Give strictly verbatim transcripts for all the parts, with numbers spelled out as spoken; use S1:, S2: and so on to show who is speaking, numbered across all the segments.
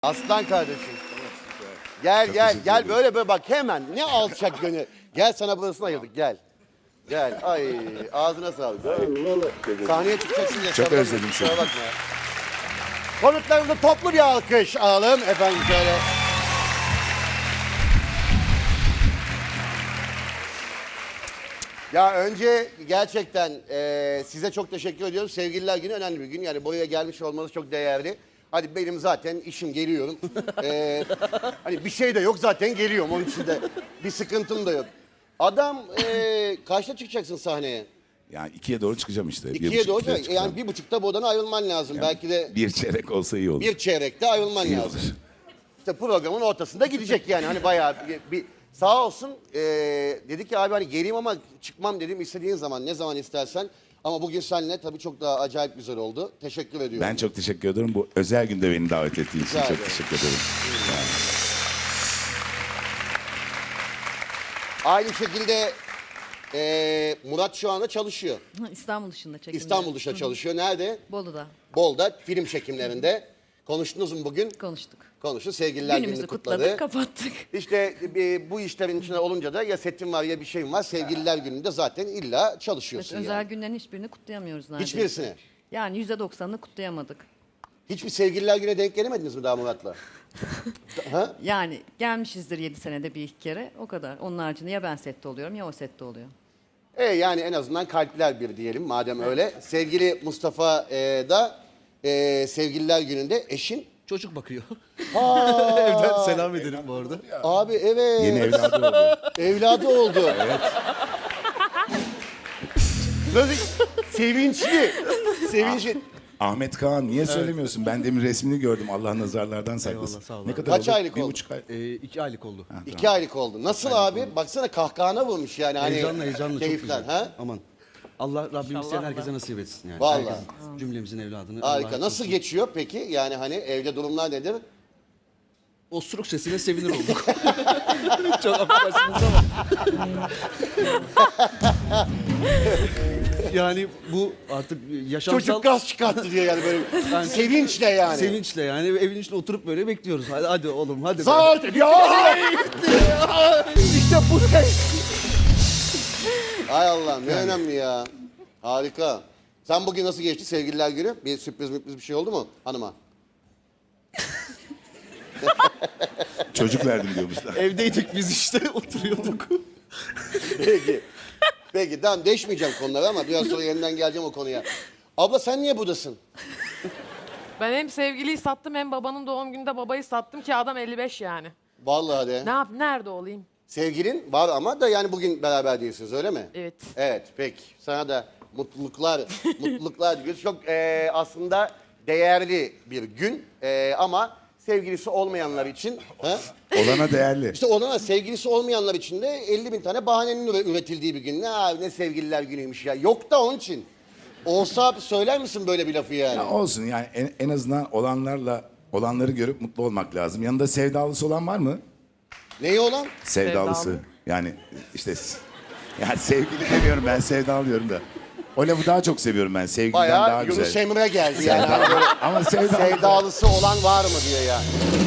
S1: Aslan kardeşim. Gel gel gel böyle böyle bak hemen ne alçak gönül. Gel sana burasını ayırdık gel. Gel ay ağzına sağlık. Sahneye çıkacaksın ya.
S2: Çok özledim seni.
S1: Bakma. Konuklarımıza toplu bir alkış alalım efendim şöyle. Ya önce gerçekten e, size çok teşekkür ediyorum. Sevgililer Günü önemli bir gün. Yani buraya gelmiş olmanız çok değerli. Hadi benim zaten işim geliyorum. E, hani bir şey de yok zaten geliyorum. Onun için de bir sıkıntım da yok. Adam e, kaçta çıkacaksın sahneye?
S2: Yani ikiye doğru çıkacağım işte. Bir
S1: İkiye
S2: buçuk,
S1: doğru
S2: ikiye
S1: yani
S2: çıkacağım.
S1: bir buçukta bu odadan ayrılman lazım.
S2: Yani
S1: Belki de
S2: bir çeyrek olsa iyi olur.
S1: bir çeyrekte ayrılman
S2: İyi
S1: lazım.
S2: olur.
S1: İşte programın ortasında gidecek yani hani bayağı bir, bir sağ olsun e, dedi ki abi hani geleyim ama çıkmam dedim istediğin zaman ne zaman istersen. Ama bugün seninle tabii çok daha acayip güzel oldu. Teşekkür ediyorum.
S2: Ben çok teşekkür ederim. Bu özel günde beni davet ettiğin için
S1: Rica
S2: çok
S1: ederim.
S2: teşekkür ederim.
S1: Aynı şekilde e, Murat şu anda çalışıyor.
S3: İstanbul dışında çekimde.
S1: İstanbul dışında çalışıyor. Nerede?
S3: Bolu'da
S1: Bol'da film çekimlerinde. Konuştunuz mu bugün?
S3: konuştuk.
S1: Konuştu. Sevgililer
S3: Günümüzü
S1: Günü'nü
S3: kutladık,
S1: kutladı.
S3: kapattık.
S1: İşte e, bu işlerin içinde olunca da ya setim var ya bir şeyim var. Sevgililer Günü'nde zaten illa çalışıyorsun
S3: Özel
S1: yani.
S3: günlerin hiçbirini kutlayamıyoruz neredeyse.
S1: Hiçbirisini.
S3: Yani yüzde doksanını kutlayamadık.
S1: Hiçbir Sevgililer Günü'ne denk gelemediniz mi daha Murat'la? Ha?
S3: Yani gelmişizdir yedi senede bir iki kere o kadar. Onun haricinde ya ben sette oluyorum ya o sette oluyor.
S1: E yani en azından kalpler bir diyelim madem öyle. Sevgili Mustafa e, da e, Sevgililer Günü'nde eşin.
S4: Çocuk bakıyor. Evden selam ederim bu arada.
S1: Abi evet.
S2: Yeni evladı oldu.
S1: Evladı oldu. Evet. Böyle sevinçli. Sevinçli.
S2: Ahmet Kaan niye söylemiyorsun? Ben demin resmini gördüm. Allah nazarlardan saklasın.
S4: Eyvallah, sağ ol
S2: Ne
S4: abi.
S2: kadar
S1: Kaç
S2: oldu?
S1: aylık
S2: Bir
S1: oldu?
S2: buçuk ay.
S4: Ee, iki aylık oldu.
S1: İki aylık oldu. Nasıl abi? Baksana kahkahana vurmuş yani. Hani
S4: Heyecanla heyecanla çok
S1: keyiften,
S4: güzel.
S1: Ha?
S4: Aman. Allah Rabbim isteyen herkese nasip etsin yani.
S1: Vallahi.
S4: Herkesin, cümlemizin evladını.
S1: Harika.
S4: Allah
S1: Nasıl
S4: korusun.
S1: geçiyor peki? Yani hani evde durumlar nedir?
S4: Osuruk sesine sevinir olduk. Çok affedersiniz ama. yani bu artık yaşamsal
S1: Çocuk gaz çıkarttı diyor yani böyle sevinçle yani.
S4: sevinçle yani evin içinde oturup böyle bekliyoruz. Hadi, hadi oğlum hadi. be.
S1: Saat ya işte bu ses. Hay Allah ne önemli ya. Harika. Sen bugün nasıl geçti Sevgililer Günü? Bir sürpriz müpriz bir şey oldu mu hanıma?
S2: Çocuk verdim diyormuşlar.
S4: Evdeydik biz işte oturuyorduk.
S1: Peki. Peki tamam değişmeyeceğim konuları ama biraz sonra yeniden geleceğim o konuya. Abla sen niye buradasın?
S5: Ben hem sevgiliyi sattım hem babanın doğum gününde babayı sattım ki adam elli beş yani.
S1: Vallahi de.
S5: Ne yap nerede olayım?
S1: Sevgilin var ama da yani bugün beraber değilsiniz öyle mi?
S5: Evet.
S1: Evet peki. Sana da mutluluklar, mutluluklar diliyoruz. Çok e, aslında değerli bir gün e, ama sevgilisi olmayanlar için... Ha?
S2: Olana değerli.
S1: İşte olana sevgilisi olmayanlar için de elli bin tane bahanenin üre- üretildiği bir gün. Ne abi ne sevgililer günüymüş ya. Yok da onun için. Olsa abi söyler misin böyle bir lafı yani?
S2: Ya olsun yani en, en azından olanlarla olanları görüp mutlu olmak lazım. Yanında sevdalısı olan var mı?
S1: Neyi olan?
S2: Sevdalısı.
S5: Sevdalı.
S2: Yani işte yani sevgili demiyorum ben sevdalıyorum da. O lafı daha çok seviyorum ben. Sevgiliden daha
S1: Bayağı Yunus
S2: güzel.
S1: Emre geldi yani. Hani böyle
S2: Ama sevdalı.
S1: sevdalısı olan var mı diye yani.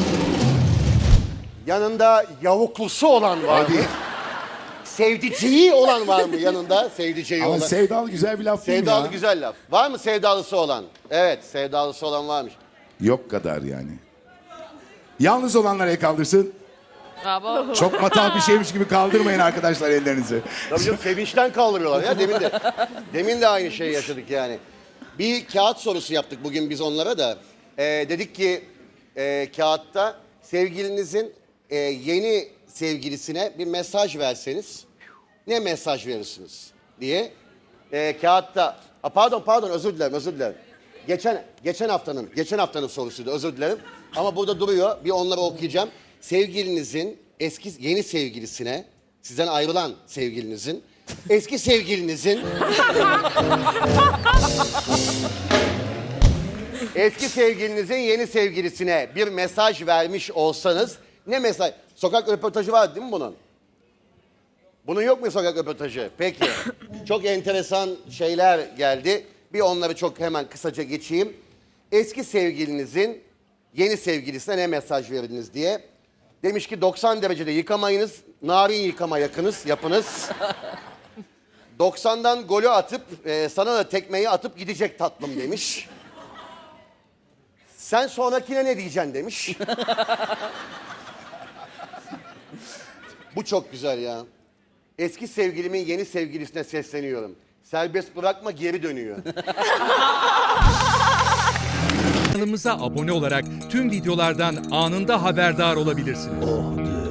S1: Yanında yavuklusu olan var mı?
S2: Hadi.
S1: Sevdiceği olan var mı yanında? Sevdiceği
S2: Ama
S1: olan.
S2: sevdalı güzel bir laf değil mi
S1: Sevdalı
S2: ya?
S1: güzel laf. Var mı sevdalısı olan? Evet sevdalısı olan varmış.
S2: Yok kadar yani. Yalnız olanlar el kaldırsın.
S5: Bravo.
S2: Çok matah bir şeymiş gibi kaldırmayın arkadaşlar ellerinizi.
S1: Tabii canım sevinçten kaldırıyorlar ya demin de. Demin de aynı şeyi yaşadık yani. Bir kağıt sorusu yaptık bugün biz onlara da. Ee, dedik ki e, kağıtta sevgilinizin e, yeni sevgilisine bir mesaj verseniz ne mesaj verirsiniz diye. E, kağıtta, a, pardon pardon özür dilerim özür dilerim. Geçen geçen haftanın geçen haftanın sorusuydu özür dilerim. Ama burada duruyor bir onları okuyacağım. Sevgilinizin eski yeni sevgilisine sizden ayrılan sevgilinizin eski sevgilinizin eski sevgilinizin yeni sevgilisine bir mesaj vermiş olsanız ne mesaj? Sokak röportajı var değil mi bunun? Bunun yok mu sokak röportajı? Peki. Çok enteresan şeyler geldi. Bir onları çok hemen kısaca geçeyim. Eski sevgilinizin yeni sevgilisine ne mesaj verdiniz diye. Demiş ki doksan derecede yıkamayınız, narin yıkama yakınız, yapınız. doksandan golü atıp, e, sana da tekmeyi atıp gidecek tatlım demiş. Sen sonrakine ne diyeceksin demiş. Bu çok güzel ya. Eski sevgilimin yeni sevgilisine sesleniyorum. Serbest bırakma, geri dönüyor.
S6: Kanalımıza abone olarak tüm videolardan anında haberdar olabilirsiniz.